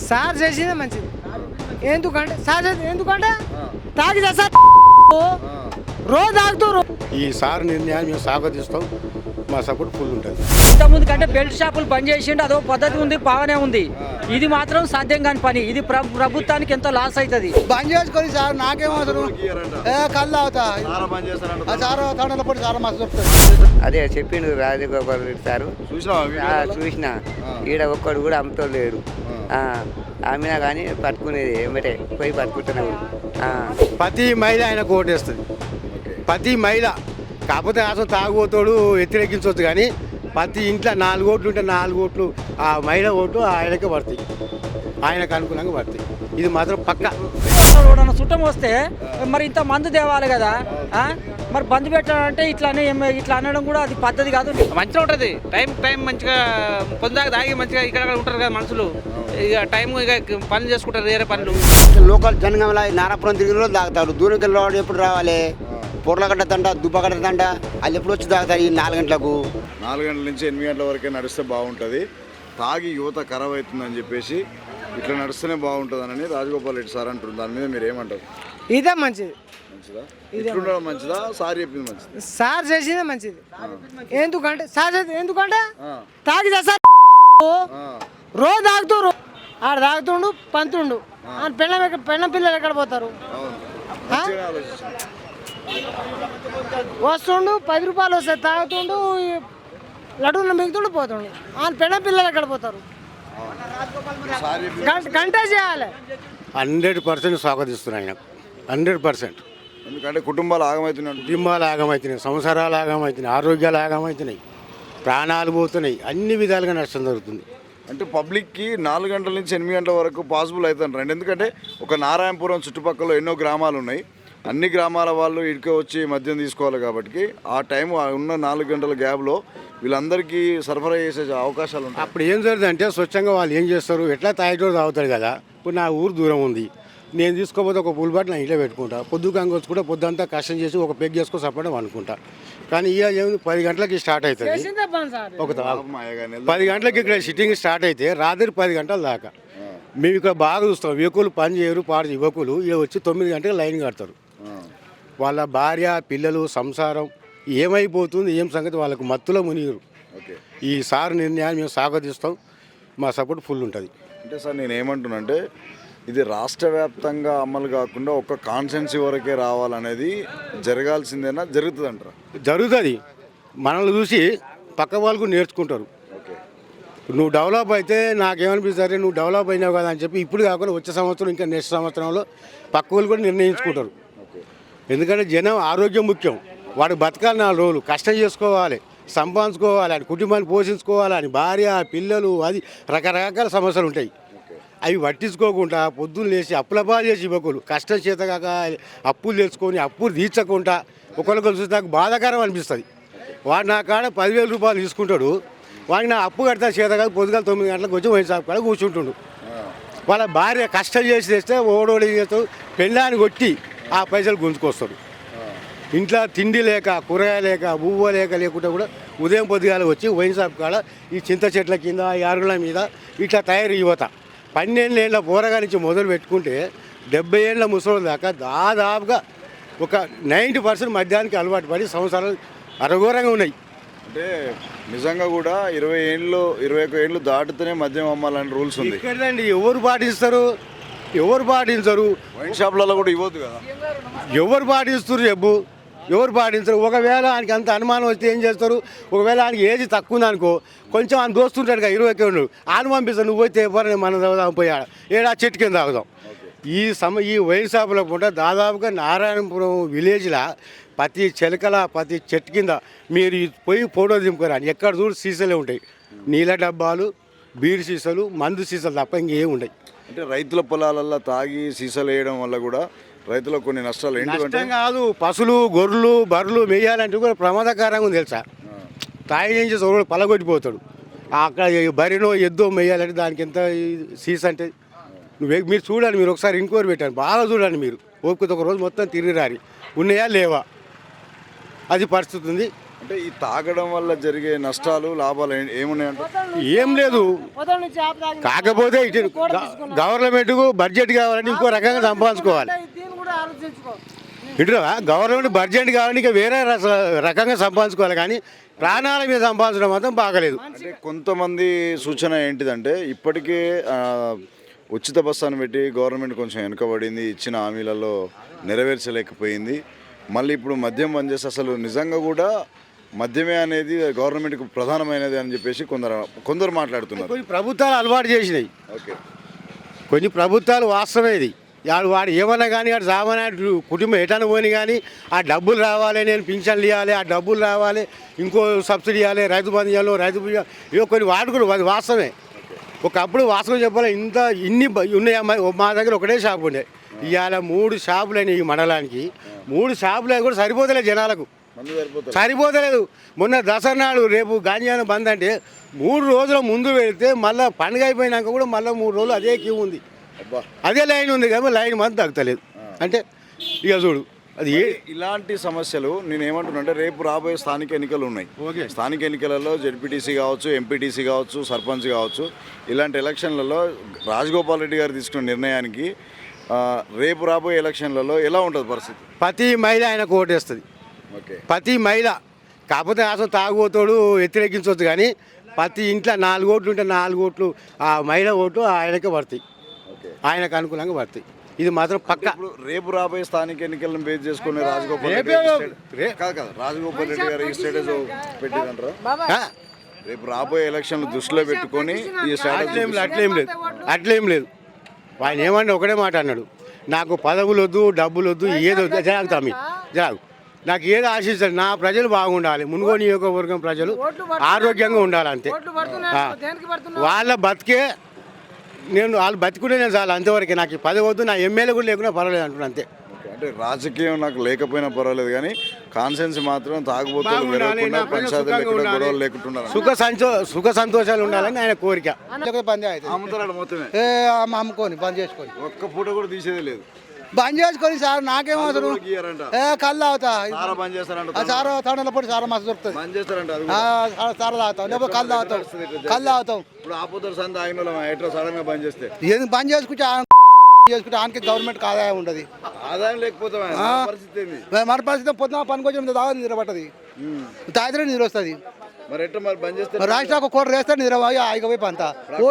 Sir చేసిందే మంచిది. ఎందుకంటే సార్ ఎందుకంటే తాగి సార్ రోజు తాగుతారు. ఈ సార్ నిర్ణయాన్ని మేము స్వాగతిస్తాం. మా సపోర్ట్ ఫుల్ ఉంటుంది. ఇంతకుముందు కంటే బెల్ట్ షాపులు బంద్ చేసిండు, అదో పద్ధతి ఉంది, బాగానే ఉంది. ఇది మాత్రం సాధ్యం కాని పని. ఇది ప్రభుత్వానికి ఎంతో లాస్ అవుతుంది. బంద్ చేసుకొని సార్ నాకేం అవసరం, కళ్ళు అవుతా సార్ తండ్రుల పడి చాలా మస్తు చెప్తారు. అదే చెప్పిండు రాజగోపాల్ రెడ్డి సారు. చూసిన ఈడ ఒక్కడు కూడా అమ్ముతలేడు. అమ్మినా కానీ పట్టుకునేది ఏమిటే పోయి పట్టుకుంటున్నాడు. ప్రతి మహిళ ఆయనకు ఓటేస్తుంది. ప్రతి మహిళ కాకపోతే అసలు తాగుబోతాడు వ్యతిరేకించవచ్చు, కానీ ప్రతి ఇంట్లో 4 ఓట్లు ఉంటే 4 ఓట్లు ఆ మహిళ ఓటు ఆయనకే పడతాయి, ఆయనకు అనుకూలంగా పడతాయి. ఇది మాత్రం పక్క. చుట్టం వస్తే మరి ఇంత మందు తేవాలి కదా, మరి బంద్ పెట్టాలంటే ఇట్లా అనడం కూడా అది పద్ధతి కాదు. మంచిగా ఉంటుంది. టైం మంచిగా పొందాక తాగి మంచిగా ఇక్కడ ఉంటారు కదా మనుషులు. ఇక టైం ఇక పనులు చేసుకుంటారు, వేరే పనులు. లోకల్ జనగంలో నారాపురం తిరిగిన రోజు తాగుతారు. దూరంకి వెళ్ళి ఎప్పుడు రావాలి? పొర్లగడ్డ తండ, దుబ్బగడ్డ తండ, వాళ్ళు ఎప్పుడు వచ్చి తాగుతారు? ఈ 4 గంటలకు. 4 గంటల నుంచి 8 గంటల వరకే నడిస్తే బాగుంటుంది. తాగి యువత ఖరాబ్ అవుతుందని చెప్పేసి ఇట్లా నడుస్తూనే బాగుంటుందని రాజగోపాల్ రెడ్డి సార్ అంటారు. దాని మీద మీరు ఏమంటారు? ఇదే మంచిది. మంచిదా? ఇట్లుండడం మంచిదా? సార్ చెప్పింది మంచిది. సార్ చేసిందే మంచిది. ఎందుకంటే ఎందుకంటే తాగి సార్ రోజు తాగుతారు. ఆడ తాగుతుండు, పంతుండు. పెళ్ళ పిల్లలు ఎక్కడ పోతారు? వస్తుండు, 10 రూపాయలు వస్తాయి, తాగుతుండు, లడ్డూలు మిగుతుండు, పోతుండు. పెళ్ళ పిల్లలు ఎక్కడ పోతారు? గంట చేయాలి. 100% స్వాగతిస్తున్నాయి ఆయన, 100%. ఎందుకంటే కుటుంబాలు ఆగమవుతున్నాయి, కుటుంబాలు ఆగమవుతున్నాయి, సంసారాలు ఆగమవుతున్నాయి, ఆరోగ్యాలు ఆగమవుతున్నాయి, ప్రాణాలు పోతున్నాయి, అన్ని విధాలుగా నష్టం జరుగుతుంది. అంటే పబ్లిక్కి 4 గంటల నుంచి 8 గంటల వరకు పాసిబుల్ అవుతుంది. ఎందుకంటే ఒక నారాయణపురం చుట్టుపక్కల ఎన్నో గ్రామాలు ఉన్నాయి. అన్ని గ్రామాల వాళ్ళు ఇటుక వచ్చి మద్యం తీసుకోవాలి కాబట్టి ఆ టైం ఉన్న 4 గంటల గ్యాప్లో వీళ్ళందరికీ సరఫరా చేసే అవకాశాలు ఉంటాయి. అప్పుడు ఏం జరుగుతుందంటే స్వచ్ఛంగా వాళ్ళు ఏం చేస్తారు, ఎట్లా తాగేటోడు తాగుతాడు కదా. ఇప్పుడు నా ఊరు దూరం ఉంది, నేను తీసుకోకపోతే ఒక పుల్ బాటిల్ నా ఇంట్లో పెట్టుకుంటా. పొద్దుకంగా వచ్చి కూడా పొద్దుంతా కష్టం చేసి ఒక పెగ్ చేసుకొని సపరేట్ అనుకుంటా. కానీ ఇవాళ ఏమి 10 గంటలకి స్టార్ట్ అవుతుంది. ఒక 10 గంటలకి ఇక్కడ సిట్టింగ్ స్టార్ట్ అయితే రాత్రి 10 గంటల దాకా మేము ఇక్కడ బాగా చూస్తాం. యువకులు పని చేయరు, పాడు యువకులు ఇక్కడ వచ్చి 9 గంటలకు లైన్ కడతారు. వాళ్ళ భార్య పిల్లలు సంసారం ఏమైపోతుంది, ఏం సంగతి వాళ్ళకు మత్తులో మునిగిరు. ఈ సార్ నిర్ణయాన్ని మేము స్వాగతిస్తాం. మా సపోర్ట్ ఫుల్ ఉంటుంది. అంటే సార్ నేను ఏమంటున్నానంటే ఇది రాష్ట్ర వ్యాప్తంగా అమలు కాకుండా ఒక కాన్స్టెన్సీ వరకే రావాలనేది జరగాల్సిందేనా, జరుగుతుంది అంటారా? జరుగుతుంది. మనల్ని చూసి పక్క వాళ్ళకు నేర్చుకుంటారు. నువ్వు డెవలప్ అయితే నాకేమనిపిస్తుంది, నువ్వు డెవలప్ అయినావు కదా అని చెప్పి ఇప్పుడు కాకుండా వచ్చే సంవత్సరం ఇంకా నెక్స్ట్ సంవత్సరంలో పక్క వాళ్ళు కూడా నిర్ణయించుకుంటారు. ఎందుకంటే జనం ఆరోగ్యం ముఖ్యం. వాడు బతకాలి, 4 రోజులు కష్టం చేసుకోవాలి, సంపాదించుకోవాలి, అని కుటుంబాన్ని పోషించుకోవాలి, అని భార్య పిల్లలు, అది రకరకాల సమస్యలు ఉంటాయి. అవి పట్టించుకోకుండా పొద్దున్న లేచి అప్పుల పాలు చేసి యువకులు కష్టం చేత కాక అప్పులు తెచ్చుకొని అప్పులు తీర్చకుండా ఒకరికొకరు చూసి నాకు బాధాకరం అనిపిస్తుంది. వాడు నా కాడ 10,000 రూపాయలు తీసుకుంటాడు, వాడికి నా అప్పు కడతా చేత కాదు. పొద్దుగాల 9 గంటలకు వచ్చి వైన్ షాప్ కాడ కూర్చుంటుండు. వాళ్ళ భార్య కష్టం చేసి తెస్తే ఓడోడి చేస్తాడు, పెళ్ళాన్ని కొట్టి ఆ పైసలు గుంజుకొస్తారు. ఇంట్లో తిండి లేక, కూరగాయ లేక, బువ్వ లేకుండా కూడా ఉదయం పొద్దుగాల వచ్చి వైన్ షాప్ కాడ ఈ చింత చెట్ల కింద, ఈ అరుగుల మీద ఇట్లా తయారు యువత 12 ఏళ్ళ పోరగా నుంచి మొదలు పెట్టుకుంటే 70 ఏళ్ళ ముసలి దాకా దాదాపుగా ఒక 90% మద్యానికి అలవాటు పడి సంవత్సరాలు అరఘోరంగా ఉన్నాయి. అంటే నిజంగా కూడా 20 ఏళ్ళు 21 ఏళ్ళు దాటితేనే మద్యం అమ్మాలని రూల్స్ ఉంది. ఇక్కడండి ఎవరు పాటిస్తారు? ఎవరు పాటించరు. వైన్ షాప్లలో కూడా ఇవ్వద్దు కదా. ఎవరు పాటిస్తారు చెప్పు? ఎవరు పాటించరు. ఒకవేళ ఆయనకి అంత అనుమానం వస్తే ఏం చేస్తారు? ఒకవేళ ఆయనకి ఏజ్ తక్కువ ఉందనుకో, కొంచెం ఆయన దోస్తుంటాడు కదా 20 ఏళ్ళు, ఆయన పంపిస్తాను, నువ్వు పోతే ఎవరు మనం తాగుదాం, పోయాడు ఏడా చెట్టు కింద తాగుదాం. ఈ వైన్ షాపులో కూడా దాదాపుగా నారాయణపురం విలేజ్లో ప్రతి చిలకల ప్రతి చెట్టు కింద మీరు పోయి ఫోటో దింపుకోరా, ఎక్కడ చూడు సీసాలే ఉంటాయి. నీళ్ళ డబ్బాలు, బీర్ సీసాలు, మందు సీసాలు తప్ప ఇంకేం ఉంటాయి. అంటే రైతుల పొలాలల్లో తాగి సీసాలు వేయడం వల్ల కూడా రైతులకు కొన్ని నష్టాలు ఏంటంటే కాదు, పశువులు గొర్రెలు బర్రెలు మేయాలంటే కూడా ప్రమాదకరంగా ఉంది తెలుసా. తాగి ఏం చేసి పలగొట్టిపోతాడు. అక్కడ బరినో ఎద్దో మేయాలంటే దానికి ఎంత సీసా అంటే మీరు చూడండి, మీరు ఒకసారి ఇంక్వైరీ పెట్టండి, బాగా చూడండి. మీరు ఓపికతో ఒక రోజు మొత్తం తిరిగి రారి ఉన్నాయా లేవా, అది పరిస్థితి ఉంది. అంటే ఈ తాగడం వల్ల జరిగే నష్టాలు లాభాలు ఏమున్నాయంటే ఏం లేదు. పొద్దున్న నుంచి ఆపు తాగి కాకపోతే ఇటు గవర్నమెంట్కు బడ్జెట్ కావాలంటే ఇంకో రకంగా సంపాదించుకోవాలి. దీన్ని కూడా ఆలోచించుకో. ఇటు గవర్నమెంట్ బడ్జెట్ కావాలంటే ఇంకా వేరే రకంగా సంపాదించుకోవాలి, కానీ ప్రాణాల మీద సంపాదించడం మాత్రం బాగలేదు. అంటే కొంతమంది సూచన ఏంటిదంటే ఇప్పటికే ఉచిత బస్సు అని పెట్టి గవర్నమెంట్ కొంచెం వెనుకబడింది, ఇచ్చిన హామీలలో నెరవేర్చలేకపోయింది. మళ్ళీ ఇప్పుడు మద్యం బంద్ చేస్తే అసలు నిజంగా కూడా మద్యమే అనేది గవర్నమెంట్కి ప్రధానమైనది అని చెప్పేసి కొందరు మాట్లాడుతున్నారు. కొన్ని ప్రభుత్వాలు అలవాటు చేసినాయి, ఓకే, కొన్ని ప్రభుత్వాలు వాస్తవమే. ఇది వాడు ఏమన్నా కానీ వాడు సామాన్య కుటుంబం ఎటన్నా పోని కానీ ఆ డబ్బులు రావాలి, నేను పింఛన్లు ఇవ్వాలి, ఆ డబ్బులు రావాలి, ఇంకో సబ్సిడీ ఇవ్వాలి, రైతు బంధు ఇవ్వాలి, రైతు ఇవో కొన్ని వాడుకులు అది వాస్తవమే. ఒకప్పుడు వాస్తవం చెప్పాలి, ఇన్ని ఉన్నాయి. మా దగ్గర ఒకటే షాపు ఉండే, ఇవాళ 3 షాపులు అయినాయి. ఈ మండలానికి 3 షాపులు అయినా కూడా సరిపోతలేదు, జనాలకు సరిపోతలేదు. మొన్న దసరా నాడు రేపు గాంజాన బంద్ అంటే 3 రోజుల ముందు వెళితే మళ్ళీ పండుగ అయిపోయినాక కూడా మళ్ళీ 3 రోజులు అదే క్యూ ఉంది, అదే లైన్ ఉంది, కానీ లైన్ మాత్రం తగ్గలేదు. అంటే ఇక చూడు అది ఇలాంటి సమస్యలు నేను ఏమంటున్నా అంటే రేపు రాబోయే స్థానిక ఎన్నికలు ఉన్నాయి. స్థానిక ఎన్నికలలో జెడ్పీటీసీ కావచ్చు, ఎంపీటీసీ కావచ్చు, సర్పంచ్ కావచ్చు, ఇలాంటి ఎలక్షన్లలో రాజగోపాల్ రెడ్డి గారు తీసుకున్న నిర్ణయానికి రేపు రాబోయే ఎలక్షన్లలో ఎలా ఉంటుంది పరిస్థితి? ప్రతి మహిళ ఆయనకు ఓటేస్తుంది, ఓకే, ప్రతి మహిళ. కాకపోతే అసలు తాగుబోతాడు వ్యతిరేకించవచ్చు, కానీ ప్రతి ఇంట్లో 4 ఓట్లు ఉంటే 4 ఓట్లు ఆ మహిళ ఓటు ఆయనకే పడతాయి, ఆయనకు అనుకూలంగా పడతాయి. ఇది మాత్రం పక్క. ఇప్పుడు రేపు రాబోయే స్థానిక ఎన్నికలను బేస్ చేసుకుని రాజగోపాల్ రెడ్డి రాజగోపాల్ రెడ్డి గారు ఈ స్టేటస్ పెట్టిందంటారా? రేపు రాబోయే ఎలక్షన్లు దృష్టిలో పెట్టుకొని ఈ స్ట్రాటజీ అట్లేం లేదు. ఆయన ఏమన్నా ఒకటే మాట అన్నాడు, నాకు పదవులు వద్దు, డబ్బులు వద్దు, ఏదో జరాగుతామి జరాగు, నాకు ఏదో ఆశించాలి, నా ప్రజలు బాగుండాలి, మునుగోడు నియోజకవర్గం ప్రజలు ఆరోగ్యంగా ఉండాలి, అంతే. వాళ్ళ బతికే వాళ్ళు బతికుంటే నేను చాలు, అంతవరకే. నాకు ఈ పదవి వద్దు, నా ఎమ్మెల్యే కూడా లేకున్నా పర్వాలేదు అంటున్నా, అంతే. అంటే రాజకీయం నాకు లేకపోయినా పర్వాలేదు, కానీ కాన్సెన్స్ మాత్రం తాగుబోతులు పెరగకుండా, పంచాయతీలు ఎక్కడ గొడవలు లేకుండా సుఖ సంతోషాలు ఉండాలని ఆయన కోరిక. బంద్ అవుతుంది, అమ్ముతాడు మొత్తమే అమ్ముకొని బంద్ చేసుకొని ఒక్క పూట కూడా తీసేదే లేదు. బంద్ చేసుకొని సార్ నాకేం అవసరం. కళ్ళు తాగుతా బంద్ చేస్తారంట, సారా తాండల పొడి సారా మస్తు దొరుకుతుంది, బంద్ చేస్తారంట, సారా తాగుతాం, లేకపోతే కళ్ళు తాగుతాం, కళ్ళు తాగుతాం. ఇప్పుడు ఆపోతారు సంత ఆగిన ఎట్లా సడన్ గా బంద్ చేస్తే ఎందుకు బంద్ చేసుకుంటే ఆయనకి గవర్నమెంట్కి ఆదాయం ఉండదు, ఆదాయం లేకపోతే పరిస్థితి ఏంది? మన పరిస్థితి పొద్దున పనికి వచ్చిన తాగా నిద్ర పట్టది, తాగితే నిద్ర వస్తుంది. మరి ఎట్లా మరి బంద్ చేస్తే రాష్ట్రానికి ఒక కోట వేస్తే నిద్ర ఆగిపోయి పంత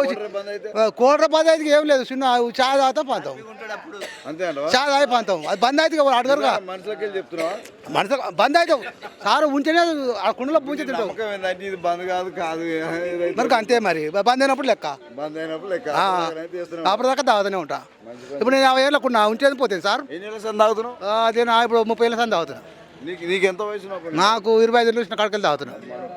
కోట బంద్ అయితే ఏం లేదు, చిన్న చాయ్ తాగుతాం పంతాం, అంతే అంట. చాయ్ తాగి పంతాం. అది బంద్ అయితే అడగరుగా, మనుషులకి వెళ్ళి చెప్తున్నావా? మనసు బంద్ అయితే సార్ ఉంటేనే ఆ కుండలో పూజ తింటాం. నమ్మకం ఏంటంటే ఇది బంద్ కాదు కాదు మరి అంతే, మరి బంద్ అయినప్పుడు లెక్క, బంద్ అయినప్పుడు లెక్క అప్పటిదాకా తాగుతూనే ఉంటా. ఇప్పుడు నేను 50 ఏళ్ళకు ఉంటేది పోతాను సార్. ఎన్ని ఏళ్ళ సంది తాగుతున్నావు? అదే ఇప్పుడు 30 ఏళ్ళ సంది తాగుతున్నా. నీకు ఎంత వయసు? నాకు 25 ఏళ్ళు వచ్చిన కడకలు తాగుతున్నా.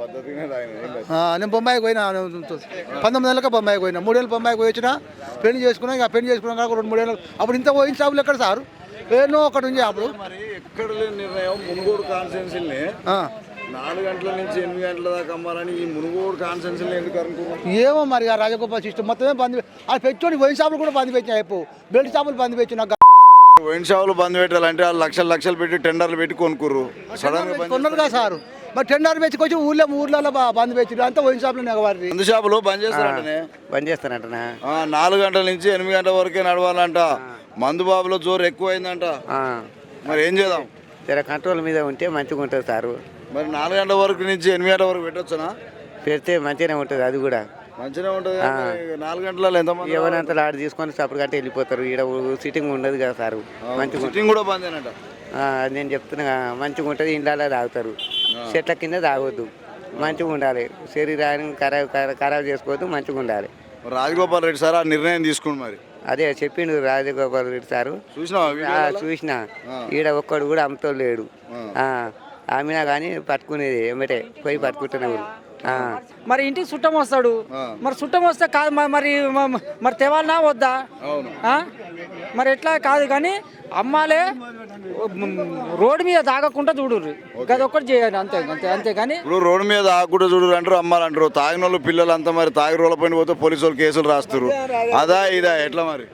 నేను బొంబాయికి పోయినా, 19 ఏళ్ళకే బొంబాయికి పోయినా, 3 ఏళ్ళు బొంబాయికి పోయి వచ్చినా, పెళ్లి చేసుకున్నా. ఇక పెళ్లి చేసుకున్నాక 2-3 ఏళ్ళు అప్పుడు ఇంత పోయిన షాపులు ఎక్కడ సార్, ఏనో ఒకటి ఉంది అప్పుడు. మరి ఎక్కడ లేని నిర్ణయం మునుగోడు కాన్స్టిట్యున్సీని 4 గంటల నుంచి 8 గంటల దాకా అమ్మాలని ఈ మునుగోడు కాన్స్టిట్యున్సీని ఎందుకు అనుకున్నాను? ఏమో మరి ఆ రాజగోపాల్ సిస్టమ్ మొత్తమే బంద్ అది పెట్టుకొని వైన్ షాపులు కూడా బంద్ పెట్టినా, అయిపో బెల్ట్ షాపులు బంద్ పెట్టినా. వైన్ షాపులు బంద్ పెట్టాలంటే వాళ్ళు లక్షలు పెట్టి టెండర్లు పెట్టి కొనుక్కుర్రు, సడన్ గా కొన్నారు కదా సార్. మరి టెండర్ పెట్టుకొచ్చి ఊర్లలో బంద్ పెట్టి అంతా వైన్ షాపులు నెగవారి. మందు షాపులు బంద్ చేస్తారంటనే, బంద్ చేస్తారంటనా? 4 గంటల నుంచి 8 గంటల వరకే నడవాలంట. మందు బాబులో జోరు ఎక్కువైందంట. మరి ఏం చేద్దాం? జర కంట్రోల్ మీద ఉంటే మంచిగా ఉంటుంది సారు. మరి 4 గంటల వరకు నుంచి 8 గంటల వరకు పెట్టొచ్చునా? పెడితే మంచిగానే ఉంటుంది, అది కూడా మంచిగా ఉంటుంది. 4 గంటలలో ఎంతమంది ఎవరంతా ఆడ తీసుకొని సపరేట్ గంట వెళ్ళిపోతారు. ఈడ సిట్టింగ్ ఉండదు కదా సారు, మంచిగా సిట్టింగ్ కూడా బంద్ అయినట్ట. నేను చెప్తున్నా, మంచిగా ఉంటుంది. ఇండ్లలో తాగుతారు, చెట్ల కింద తాగొద్దు, మంచిగా ఉండాలి. శరీరాన్ని ఖరాబ్ చేసుకోవద్దు, మంచిగా ఉండాలి. రాజగోపాల్ రెడ్డి సార్ ఆ నిర్ణయం తీసుకుని మరి అదే చెప్పిండు రాజగోపాల్ రెడ్డి సారు. చూసిన ఈడ ఒక్కడు కూడా అమ్ముతో లేడు. ఆమెనా కానీ పట్టుకునేది ఏమిటే పోయి పట్టుకుంటున్నారు. ఆ. మరి ఇంటికి చుట్టం వస్తాడు, మరి చుట్టం వస్తే కాదు మరి తేవాలనా వద్దా? ఆ? మరి ఎట్లా కాదు కానీ అమ్మాలే రోడ్డు మీద తాగకుండా చూడుర్రి, అది ఒక్కటి చేయాలి అంతే అంతే అంతేగాని ఇప్పుడు రోడ్డు మీద ఆకుండా చూడరు అంటారు, అమ్మాలంటారు. తాగిన వాళ్ళు పిల్లలు అంతా మరి తాగి రోడ్ల పైన పోతే పోలీసు వాళ్ళు కేసులు రాస్తారు. అదా ఇదా ఎట్లా మరి?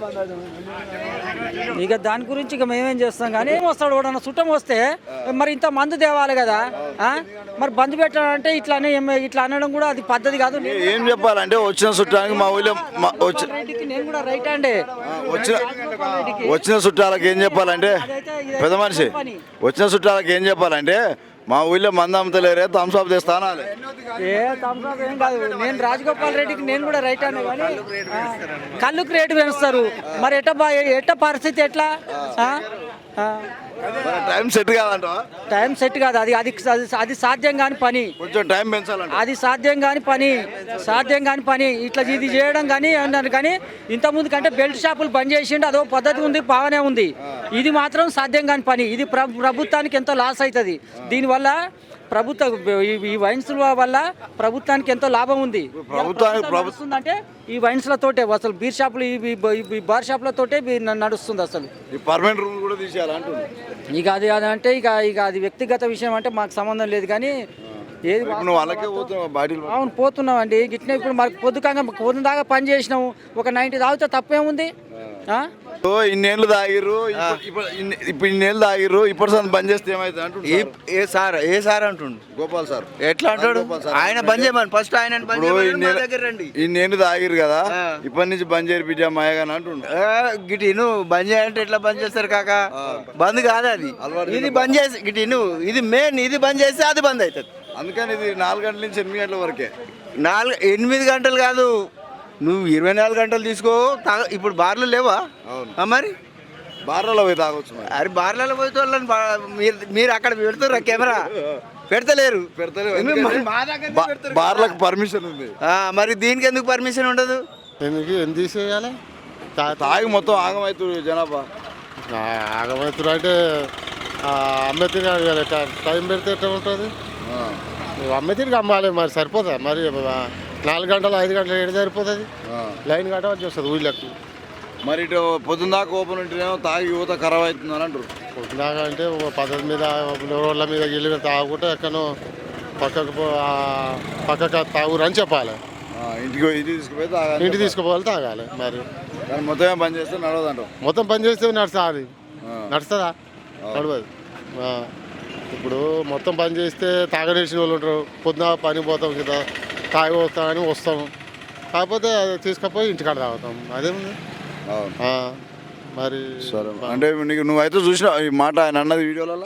ఇక దాని గురించి ఇక మేమేం చేస్తాం కానీ వస్తాడు కూడా చుట్టం వస్తే మరి ఇంత మందు తేవాలి కదా. ఆ? మరి బంద్ పెట్టాలంటే ఇట్లా అనడం కూడా అది పద్ధతి కాదు. ఏం చెప్పాలంటే వచ్చిన చుట్టానికి మా ఊళ్ళో రెడ్డికి నేను కూడా రైట్ అండి. వచ్చిన చుట్టాలకు ఏం చెప్పాలంటే పెద్ద మనిషి వచ్చిన చుట్టాలకు ఏం చెప్పాలంటే మా ఊళ్ళో మంది అమ్ముతలేరే థమ్స్అప్ తెస్తాను. ఏ థమ్స్అప్ ఏం కాదు, నేను రాజగోపాల్ రెడ్డికి నేను కూడా రైట్ అనే కానీ కళ్ళుకు రేటు పెంచుతారు. మరి ఎట్ట పరిస్థితి ఎట్లా? టైం సెట్ కాదంట. టైం సెట్ కాదు, అది సాధ్యం కాని పని. కొంచెం టైం పెంచాలంట. అది సాధ్యం కాని పని ఇట్లా ఇది చేయడం కానీ అన్నారు. కానీ ఇంతకుముందు కంటే బెల్ట్ షాపులు బంద్ చేసిండు, అదో పద్ధతి ఉంది, బాగానే ఉంది. ఇది మాత్రం సాధ్యం కాని పని. ఇది ప్రభుత్వానికి ఎంతో లాస్ అవుతుంది. దీనివల్ల ఈ వైన్స్ వల్ల ప్రభుత్వానికి ఎంతో లాభం ఉంది. నడుస్తుందంటే ఈ వైన్స్లతోటే, అసలు బీర్ షాపులు ఈ బార్ షాపులతోటే నడుస్తుంది అసలు. పర్మనెంట్ రూల్ కూడా తీసేయాలంటుంది. ఇక అది అంటే ఇక అది వ్యక్తిగత విషయం, అంటే మాకు సంబంధం లేదు. కానీ ఏది అవును పోతున్నాం అండి. గిట్నే ఇప్పుడు మాకు పొద్దు దాకా పని చేసినాము, ఒక 90 తాగితే తప్పేముంది? ఇన్నేళ్ళు తాగిర్రు, ఇప్పుడు ఇన్నేళ్ళు తాగిర్రు, ఇప్పుడు సార్ బంద్ చేస్తే ఏమైతే అంటుండు ఏ సార్ అంటుండు గోపాల్ సార్. ఎట్లా అంటాడు? ఆయన బంద్ చేయమని ఫస్ట్ ఆయన ఇన్నేళ్ళు తాగిర్రు కదా, ఇప్పటి నుంచి బంద్ చేయరు బిడ్డ మాయగాని అంటుండు. గిటి నువ్వు బంద్ చేయాలంటే ఎట్లా బంద్ చేస్తారు కాక? బంద్ కాదు అది, ఇది బంద్ చేసి గిటి నువ్వు ఇది మెయిన్, ఇది బంద్ చేస్తే అది బంద్ అవుతుంది. అందుకని ఇది 4 గంటల నుంచి 8 గంటల వరకే. 8 గంటలు కాదు, నువ్వు 24 గంటలు తీసుకో. ఇప్పుడు బార్లు లేవా? మరి బార్లలో పోయి తాగొచ్చు. అరే బార్లలో పోయి వాళ్ళని మీరు అక్కడ పెడుతుర్రా కెమెరా? పెడతలేరు. బార్లకు పర్మిషన్ ఉంది. మరి దీనికి ఎందుకు పర్మిషన్ ఉండదు? ఎందుకు తీసేయాలి? తాగి మొత్తం ఆగమవుతుంది జనాభా. ఆగమవుతున్నారు అంటే అమ్మేతిని టైం పెడితే ఎట్లా ఉంటుంది? అమ్మేతిరికి అమ్మాలి, మరి సరిపోతుంది. మరి 4 గంటలు 5 గంటలు ఏడు సరిపోతుంది? లైన్ కట్టవలసి వస్తుంది ఊళ్ళకి. మరి ఇటు పొద్దున్న దాకా ఓపెన్ ఉంటేనేమో తాగి యువత ఖరాబ్ అవుతుంది అని అంటారు. పొద్దుదాకా అంటే ఒక పద్ధతి మీద రోడ్ల మీద గిల్లి తాగుకుంటే ఎక్కడో పక్కకు తాగురు అని చెప్పాలి. ఇంటికి తీసుకుపోవాలి, తాగాలి. మరి మొత్తమే బంద్ చేస్తే నడవదంటాం. మొత్తం పని చేస్తే నడుస్తుంది. నడుస్తుందా? నడవదు. ఇప్పుడు మొత్తం పని చేస్తే తాగనేసిన వాళ్ళు ఉంటారు. పొద్దున పని పోతాం కదా, తాగి వస్తామని వస్తాము, కాకపోతే తీసుకుపోయి ఇంటికాడ తాగుతాం. అదేముంది మరి. సరే అంటే నువ్వైతే చూసినా ఈ మాట ఆయన అన్నది వీడియోలలో,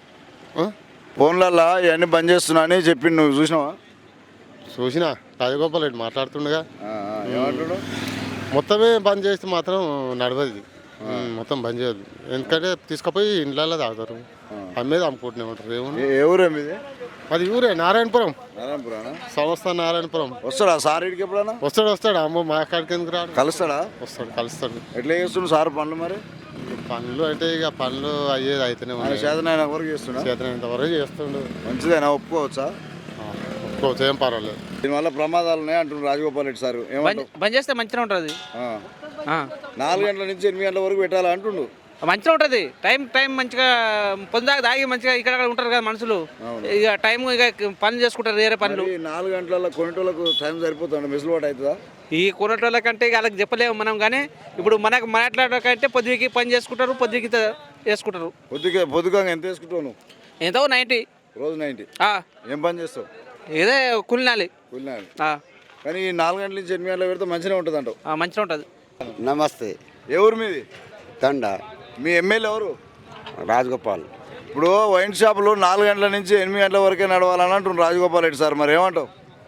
ఫోన్లలో ఇవన్నీ బంద్ చేస్తున్నా అని చెప్పి నువ్వు చూసినావా? చూసినా. రాజగోపాల్ రెడ్డి మాట్లాడుతుండగా ఏమంటాడు? మొత్తమే బంద్ చేస్తే మాత్రం నడవదు. మొత్తం బంద్ చేయదు, ఎందుకంటే తీసుకుపోయి ఇండ్లలో తాగుతారు, అమ్మేది అమ్ముకుంటూనే ఉంటారు. ఏముంది? ఏ ఊరు ఇది? అది ఊరే నారాయణపురం. నారాయణపురం సంస్థ నారాయణపురం. వస్తాడా సార్ ఇడికి ఎప్పుడన్నా? వస్తాడు. అమ్మ మా కాడికి ఎందుకు రాడు? కలుస్తాడా? కలుస్తాడు. ఎట్లా చేస్తుండు సార్ పనులు? మరి పనులు అంటే ఇక పనులు అయ్యేది అయితేనే ఉన్నాయి. చేతనైనా వరకు చేస్తున్నా? చేతనైనంత వరకు చేస్తుండు. మంచిదేనా? ఒప్పుకోవచ్చా? ఒప్పుకోవచ్చు, ఏం పర్వాలేదు. దీనివల్ల ప్రమాదాలు ఉన్నాయి అంటున్నారు రాజగోపాల్ రెడ్డి సార్. బంద్ చేస్తే మంచిగా ఉంటుంది. 4 గంటల నుంచి 8 గంటల వరకు పెట్టాలా అంటుండు. మంచిగా ఉంటుంది. టైం మంచిగా పొందాక తాగి మంచిగా ఇక్కడ ఉంటారు కదా మనుషులు, ఇక టైం ఇక పనులు చేసుకుంటారు, వేరే పనులు. 4 గంటల కొనేటోళ్ళకు టైం సరిపోతుంది, మెసులుబాటు అవుతుందా? ఈ కొనేటోళ్ళ కంటే వాళ్ళకి చెప్పలేము మనం. కానీ ఇప్పుడు మనకు మాట్లాడకంటే పొద్దుకి పని చేసుకుంటారు, పొద్దుకి వేసుకుంటారు. పొద్దుగా ఎంత వేసుకుంటావు నువ్వు? ఎంతో 90 రోజు 90. ఏం పని చేస్తావు? ఇదే కూలినాలి. కానీ 4 గంటల నుంచి 8 గంటల పెడితే మంచిగా ఉంటుంది అంటావు? మంచిగా ఉంటుంది. నమస్తే. ఏ ఊరు మీది? తండ. మీ ఎమ్మెల్యే ఎవరు? రాజగోపాల్. ఇప్పుడు వైన్ షాపులు 4 గంటల నుంచి 8 గంటల వరకే నడవాలని అంటున్నారు రాజగోపాల్ రెడ్డి సార్. మరి ఏమంటావు?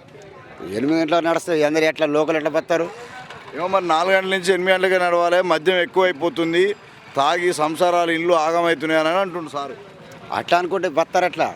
8 గంటలకు నడుస్తాయి, అందరు ఎట్లా లోకల్ ఎట్లా పడతారు? ఏమో మరి 4 గంటల నుంచి 8 గంటలకే నడవాలి, మద్యం ఎక్కువైపోతుంది, తాగి సంసారాలు ఇల్లు ఆగమవుతున్నాయి అని అంటుండు సార్. అట్లా అనుకుంటే బతారు అట్లా.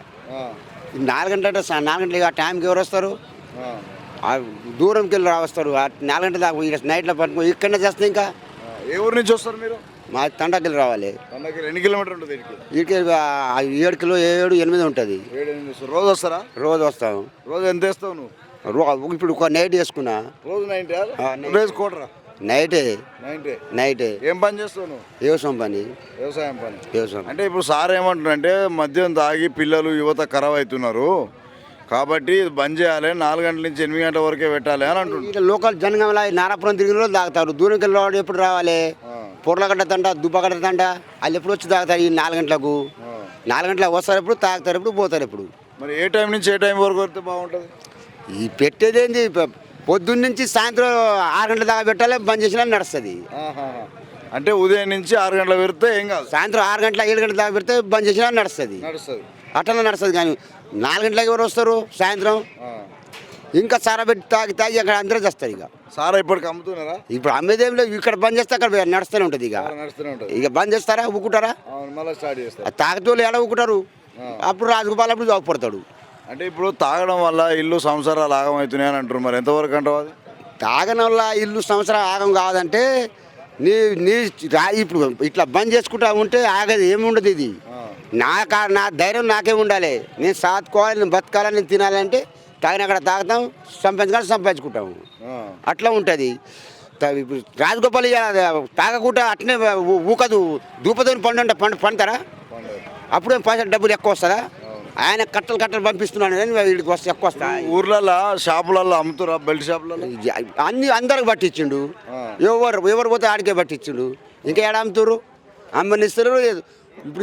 4 గంటలు అంటే 4 గంటలు ఆ టైంకి ఎవరు వస్తారు? దూరంకి వెళ్ళి రావస్తారు. 4 గంటల దాకా నైట్లో పట్టుకో ఇక్కడనే చేస్తాయి. ఇంకా ఏ ఊరు నుంచి వస్తారు మీరు? మా తండకిలు రావాలి. పండగకి ఎన్ని కిలోమీటర్ ఉంటుంది ఇక్కడికి? వీటికి 7 కిలో 7-8 ఉంటుంది. 7-8 వస్తారు. రోజు వస్తారా? రోజు వస్తాం. రోజు ఎంత వేస్తావు నువ్వు? ఇప్పుడు ఒక నైట్ వేసుకున్నా. రోజు 90 రోజు కోటరా? నైటే 90. ఏం పని చేస్తావు నువ్వు? వ్యవసాయం పని. వ్యవసాయం పని. వ్యవసాయం అంటే ఇప్పుడు సార్ ఏమంటున్నారంటే మద్యం తాగి పిల్లలు యువత ఖరాబ్ అవుతున్నారు కాబట్టి ఇది బంద్ చేయాలి, 4 గంటల నుంచి 8 గంటల వరకే పెట్టాలి అని అంటున్నారు. ఇట్లా లోకల్ జనగంలో నారాపురం తిరిగిన రోజు తాగుతారు. దూరంకి వెళ్ళి ఎప్పుడు రావాలి? పొర్లగడ్డ తంట దుబ్బగడ్డ తంట వాళ్ళు ఎప్పుడు వచ్చి తాగుతారు? ఈ 4 గంటలకు 4 గంటలకు వస్తారు, ఎప్పుడు తాగుతారు, ఎప్పుడు పోతారు. ఎప్పుడు మరి ఏ టైం నుంచి ఏ టైం వరకు వస్తే బాగుంటుంది? ఈ పెట్టేదేంది పొద్దున్న నుంచి సాయంత్రం 6 గంటల దాకా పెట్టాలి, బంద్ చేసినా నడుస్తుంది. అంటే ఉదయం నుంచి 6 గంటలకు పెడితే ఏం కాదు, సాయంత్రం 6 గంటల 7 గంటల దాకా పెడితే బంద్ చేసినా నడుస్తుంది. అట్లా నడుస్తుంది. కానీ 4 గంటలకు ఎవరు వస్తారు? సాయంత్రం ఇంకా సారా పెట్టి తాగి అక్కడ అందరూ చేస్తారు. ఇక సారా ఇప్పటికి అమ్ముతున్నారా? ఇప్పుడు అమ్మేదేం లేదు. ఇక్కడ బంద్ చేస్తే అక్కడ నడుస్తూనే ఉంటుంది. ఇక బంద్ చేస్తారా? ఊకుంటారా? మళ్ళీ స్టార్ట్ చేస్తారు. తాగుతూ ఎలా ఊకుంటారు? అప్పుడు రాజగోపాల్ అప్పుడు జాగుపడతాడు. అంటే ఇప్పుడు తాగడం వల్ల ఇల్లు సంసారాలు ఆగమవుతున్నాయి అని అంటారు. మరి ఎంతవరకు అంటావు అది? తాగడం వల్ల ఇల్లు సంవత్సరం ఆగం కాదంటే నీ నీ ఇప్పుడు ఇట్లా బంద్ చేసుకుంటా ఉంటే ఆగదు, ఏముండదు. ఇది నా ధైర్యం నాకే ఉండాలి. నేను సాదుకోవాలి, నేను బతకాలని, నేను తినాలంటే తాగిన అక్కడ తాగుతాం, సంపాదించుకుంటాము. అట్లా ఉంటుంది. ఇప్పుడు రాజగోపాల్ తాగకుండా అట్నే ఊకదు. దూపతోని పండుతారా? అప్పుడే పైసలు డబ్బులు ఎక్కువ వస్తుందా? ఆయన కట్టలు పంపిస్తున్నాను వీడికి వస్తే ఎక్కువ వస్తా. ఊర్లలో షాపులలో అమ్ముతారా? బెల్ట్ షాపులలో అందరికి పట్టించిండు. ఎవరు పోతే ఆడికే పట్టించిండు. ఇంకా ఏడ అమ్ముతారు? అమ్మనిస్తారు. ఇప్పుడు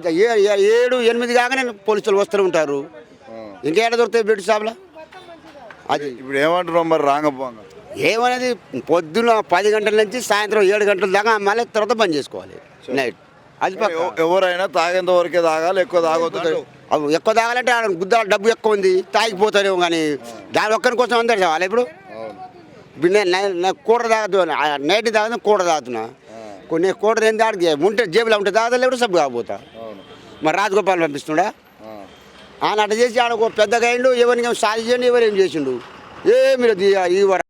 7-8 కాగానే పోలీసులు వస్తూ ఉంటారు. ఇంకా ఏడ దొరుకుతాయి బెల్ట్ షాపులో? అది ఇప్పుడు ఏమంటున్నావు మరి? రాంగపోంగ ఏమనేది పొద్దున్న 10 గంటల నుంచి సాయంత్రం 7 గంటల దాకా అమ్మాలి, తర్వాత బంద్ చేసుకోవాలి నైట్. అది ఎవరైనా తాగేంత వరకే తాగాలి, ఎక్కువ తాగొద్దు. ఎక్కువ తాగాలంటే గుద్దాల డబ్బు ఎక్కువ ఉంది, తాగిపోతారేమో. కానీ దాని ఒక్కరి కోసం అందరు తాగాలి. ఇప్పుడు నేను కూడ తాగదు, నైట్ తాగుతా, కూడ తాగుతున్నా. కొన్ని కూడ ఏం తాగి ఉంటే జేబులో ఉంటే తాగదా, లేకపోతే సబ్బు కాకపోతా. మరి రాజగోపాల్ పంపిస్తుండా? ఆయన అట్లా చేసి ఆడ పెద్దగా అయిండు. ఎవరిని సాధి చేయండి, ఎవరేం చేసిండు? ఏమి లేదు.